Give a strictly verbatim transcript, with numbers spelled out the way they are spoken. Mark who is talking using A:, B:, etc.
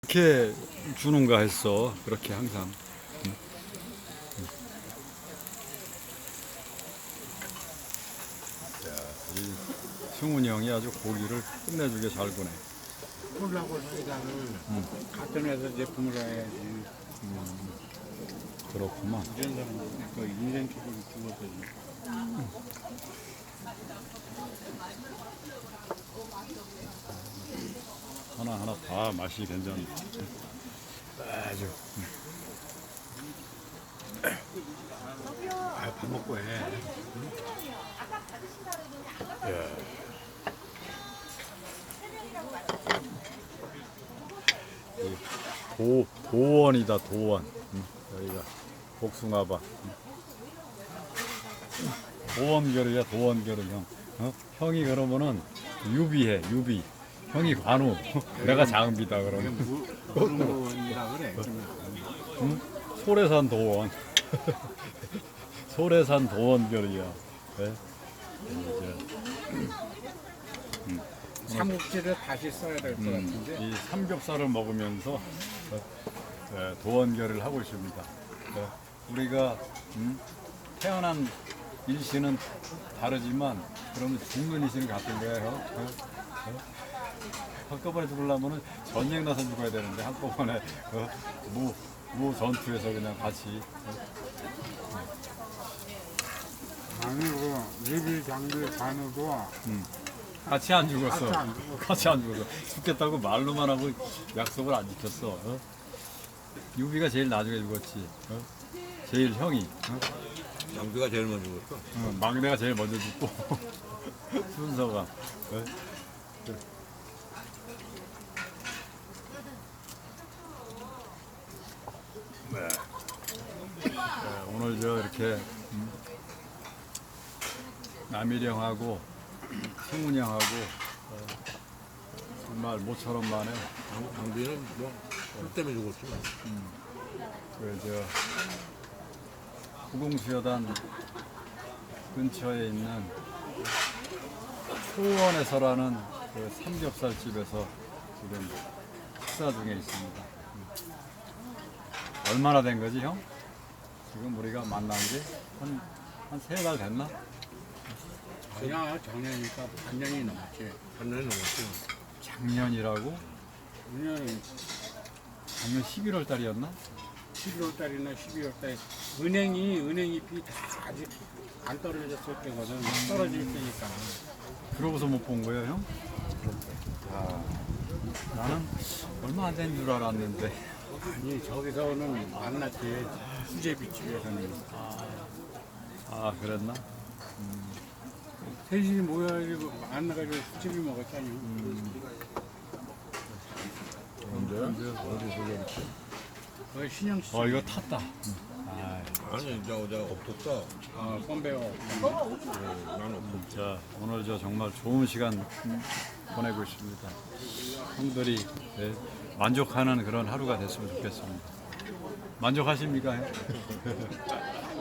A: 이렇게 주는가 했어. 그렇게 항상. 응. 응. 자, 이 승훈이 형이 아주 고기를 끝내주게 잘 구네.
B: 콜라고 사이다를
A: 응.
B: 같은 회사 제품으로 해야지.
A: 음, 그렇구만.
B: 이런 사람은 그 인생 쪽으로 죽었거든.
A: 하나하나 다 맛이 괜찮네. 아주.
B: 아, 밥 먹고 해.
A: 예. 이 도, 도원이다, 도원. 응. 여기가 복숭아밭. 응. 도원결이야, 도원결은 형. 어? 형이 그러면은 유비해, 유비. 형이 관우. 내가 장비다, 그러면.
B: 무슨 거이라 그래.
A: 응? 소래산 도원. 소래산 도원결이야. 네?
B: 삼국지를 다시 써야 될 것
A: 음,
B: 같은데.
A: 이 삼겹살을 먹으면서 어, 네, 도원결을 하고 있습니다. 네, 우리가 음, 태어난 일시는 다르지만 그러면 죽는 일시는 같은 거예요. 어? 어? 한꺼번에 죽으려면 전쟁 나서 죽어야 되는데 한꺼번에 어, 무, 무 전투에서 그냥 같이
B: 아니고 리빌 장비 관우도
A: 음, 같이 안 죽었어.
B: 같이 안 죽었어.
A: 같이 안 죽었어. 죽겠다고 말로만 하고 약속을 안 지켰어. 어? 유비가 제일 나중에 죽었지. 어? 제일 형이. 어?
C: 장비가 제일 먼저 죽었어.
A: 어, 막내가 제일 먼저 죽고 순서가. 어? 네. 네, 오늘 저 이렇게 음, 남일이 형하고 승훈이 형하고 어, 정말 모처럼 만에
C: 장비는 뭐, 술 때문에 죽었지.
A: 그저 구공수여단 근처에 있는 초원에서라는 그 삼겹살 집에서 지금 식사 중에 있습니다. 음. 얼마나 된 거지, 형? 지금 우리가 만난 게 한 한 세 달 됐나?
B: 아니야, 작년이니까 반년이 넘었지.
C: 한 년이 넘었지.
A: 작년이라고?
B: 작년
A: 작년 십일월 달이었나?
B: 십일월 달이나 십이월 달에 은행이 은행잎이 다 아직 안 떨어졌을 때거든. 떨어질 때니까.
A: 그러고서 못 본 거예요, 형? 아, 나는 얼마 안 된 줄 알았는데.
B: 아니 저기서는 만났지. 수제비집에서는
A: 아, 그랬나?
B: 셋이 모여가지고 만나가지고 수제비 먹었잖아.
A: 언제? 어디서 그랬지?
B: 그 신영 씨.
A: 어, 이거 탔다. 아,
C: 아니, 저, 저, 없었어.
B: 어, 껌배워.
C: 어, 난 없었어.
A: 자, 오늘 저 정말 좋은 시간 음, 보내고 있습니다. 형들이 예, 만족하는 그런 하루가 됐으면 좋겠습니다. 만족하십니까? 형?